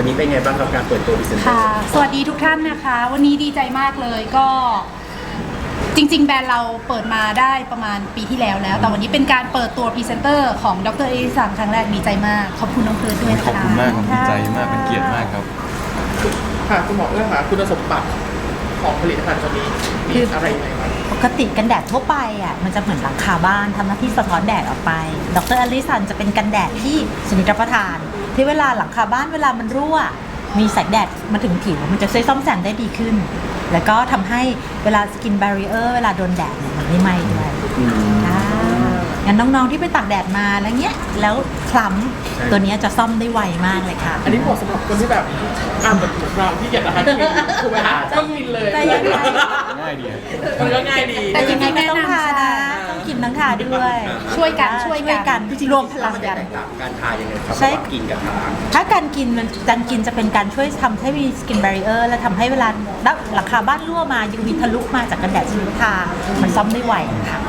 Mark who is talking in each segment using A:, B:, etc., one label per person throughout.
A: นี้เป็นไงบ้างกับการเปิดตัวพรีเซนเตอร์
B: ค่ะสวัสดีทุกท่านนะคะวันนี้ดีใจมากเลยก็จริงๆแบรนด์เราเปิดมาได้ประมาณปีที่แล้วแต่วันนี้เป็นการเปิดตัวพรีเซนเตอร์ของดรเอลิสันครั้งแรกดีใจมากขอบคุณน้องเพิร์ดด้วยนะคะ
C: ขอบคุณมากครับดีใจมากเป็นเกียรติมากครับ
D: ค่ะคุณหมอค่ะคุณสมบัติของผลิตภัณฑ์ตัวนี้มีอะไรยังไงบ้าง
E: ปกติกันแดดทั่วไปอ่ะมันจะเหมือนหลังคาบ้านทำหน้าที่สะท้อนแดดออกไปดรอลิสันจะเป็นกันแดดที่ชนิดรับประทานที่เวลาหลังคาบ้านเวลามันรั่วมีแสงแดดมาถึงผิวมันจะช่วยซ่อมแซมได้ดีขึ้นแล้วก็ทำให้เวลาสกินแบรีเออร์เวลาโดนแดดเนี่ยมันไม่ไหม้ด้วยงั้นน้องๆที่ไปตากแดดมาแล้วเงี้ยแล้วคล้ำตัวนี้จะซ่อมได้ไวมากเลยค่ะ
D: อันนี้เหมาะสำหรับคนที่แบบเหมือนเราที่อยากจะทานครีมถูกไหมคะต้องกินเลย
C: ง่ายดี
D: มันก็ง่ายดี
E: แต่ยังไงก็ต้องทานะต้องกินทั้งทาด้วย
B: ช่วยกัน
E: รวมพลังกัน
A: การทายังไงครับ
E: ใช่
A: กินกับทา
E: ถ้าการกินจะเป็นการช่วยทำให้มีสกินแบรีเออร์และทำให้เวลาหลังคาบ้านรั่วมา UV ทะลุมาจากกันแดดชนิดทามันซ่อมได้ไวค่ะ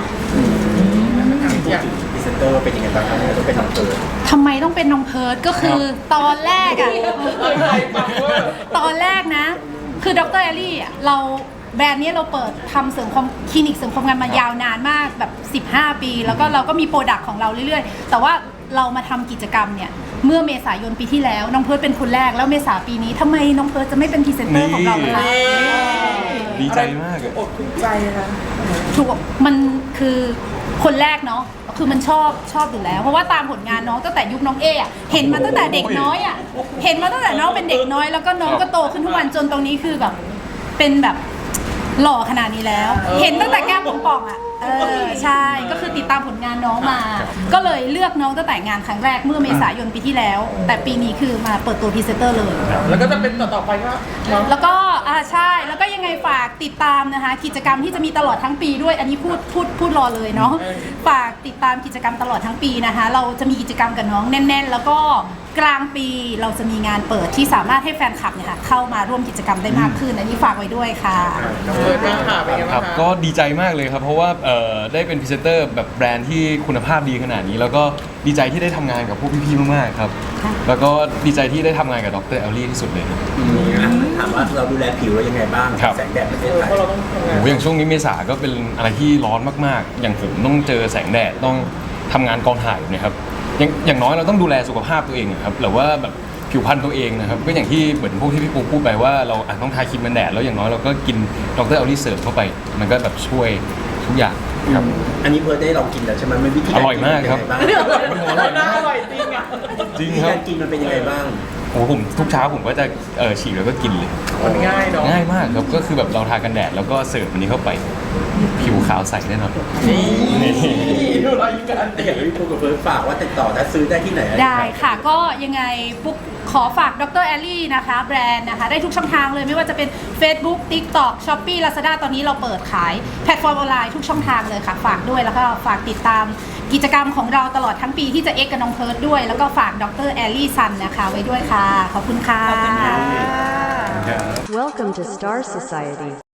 A: พรีเซนเตอร์เป็นยังไงบ้างครับต้องเป็นน้องเพิร์ด
B: ทำไมต้องเป็นน้องเพิร์ดก็คือตอนแรกอะตอนแรกนะคือดรเอลลี่เราแบรนด์นี้เราเปิดทำคลินิกเสริมความงามมายาวนานมากแบบ15 ปีแล้วก็เราก็มีโปรดักต์ของเราเรื่อยๆแต่ว่าเรามาทำกิจกรรมเนี่ยเมื่อเมษายนปีที่แล้วน้องเพิร์ดเป็นคนแรกแล้วเมษาปีนี้ทำไมน้องเพิร์ดจะไม่เป็นพรีเซนเตอร์ของเราล่ะ
C: ดีใจมาก
D: อดถูกใจค่ะ
B: ถูกมันคือคนแรกเนาะคือมันชอบอยู่แล้วเพราะว่าตามผลงานน้องตั้งแต่ยุคน้องอะเห็นมาตั้งแต่เด็กน้อยเห็นมาตั้งแต่น้องเป็นเด็กน้อยแล้วก็น้องก็โตขึ้นทุกวันจนตรงนี้คือแบบเป็นแบบหล่อขนาดนี้แล้วเห็นตั้งแต่แก้มป่องใช่ก็คือติดตามผลงานน้องมาก็เลยเลือกน้องตั้งแต่งานครั้งแรกเมื่อเมษายนปีที่แล้วแต่ปีนี้คือมาเปิดตัวพรีเซนเตอร์เลย
D: แล้วก็จะเป็นต่อไปก็
B: แล้วก็ใช่แล้วก็ยังไงฝากติดตามนะคะกิจกรรมที่จะมีตลอดทั้งปีด้วยอันนี้พูดรอเลยเนาะฝากติดตามกิจกรรมตลอดทั้งปีนะคะเราจะมีกิจกรรมกับน้องแน่นๆแล้วก็กลางปีเราจะมีงานเปิดที่สามารถให้แฟนคลับเนี่ยค่ะเข้ามาร่วมกิจกรรมได้มากขึ้นอันนี้ฝากไว้ด้วยค่ะ
C: ครับก็ดีใจมากเลยครับเพราะว่าได้เป็นพรีเซนเตอร์แบบแบรนด์ที่คุณภาพดีขนาดนี้แล้วก็ดีใจที่ได้ทำงานกับพวกพี่ๆมากๆครับแล้วก็ดีใจที่ได้ทำงานกับดรเอลลี่ที่สุดเลย
A: ถามว่าเราดูแลผิวเรายังไงบ้างแสงแดดประเทศไทย
C: อย่างช่วงนี้เมษาก็เป็นอะไรที่ร้อนมากๆอย่างผมต้องเจอแสงแดดต้องทำงานกองถ่ายนะครับอย่างน้อยเราต้องดูแลสุขภาพตัวเองครับหรือว่าแบบผิวพรรณตัวเองนะครับก็อย่างที่เหมือนพวกที่พี่ปูพูดไปว่าเราอาจต้องทาครีมกันแดดแล้วอย่างน้อยเราก็กินดรเอลลี่เสริมเข้าไปมันก็แบบช่วยทุกอย่างครับ
A: อันนี้เพิร์ดได้ลองกินแล้วใช่ไหมมันวิธี
C: อร่อยมากครับ
D: อร่อยจริงอ่ะ
C: จริงครับ
A: การกินมันเป็นยังไงบ้าง
C: โอ้ผมทุกเช้าผมก็จะฉีกแล้วก็กินเลย
D: มันง่ายเนาะ
C: ง่ายมากครับก็คือแบบเราทากันแดดแล้วก็เสิร์ฟอันนี้เข้าไปผิวขาวใสแน่นอน
D: นี่ดูรอยยิ้มกัน
A: แต่อย่างที่พูดกับเพิร์ดฝากว่าติดต่อและซื้อได้ที่ไหน
B: ได้ค่ะก็ยังไงปุ๊กขอฝากดรแอลลี่นะคะแบรนด์นะคะได้ทุกช่องทางเลยไม่ว่าจะเป็น Facebook TikTok Shopee Lazada ตอนนี้เราเปิดขายแพลตฟอร์มออนไลน์ทุกช่องทางเลยค่ะฝากด้วยแล้วก็ฝากติดตามกิจกรรมของเราตลอดทั้งปีที่จะเอ็กกับน้องเพิร์ดด้วยแล้วก็ฝากดรแอลลี่ซันนะคะไว้ด้วยค่ะขอบคุณค่ะ
F: Welcome to Star Society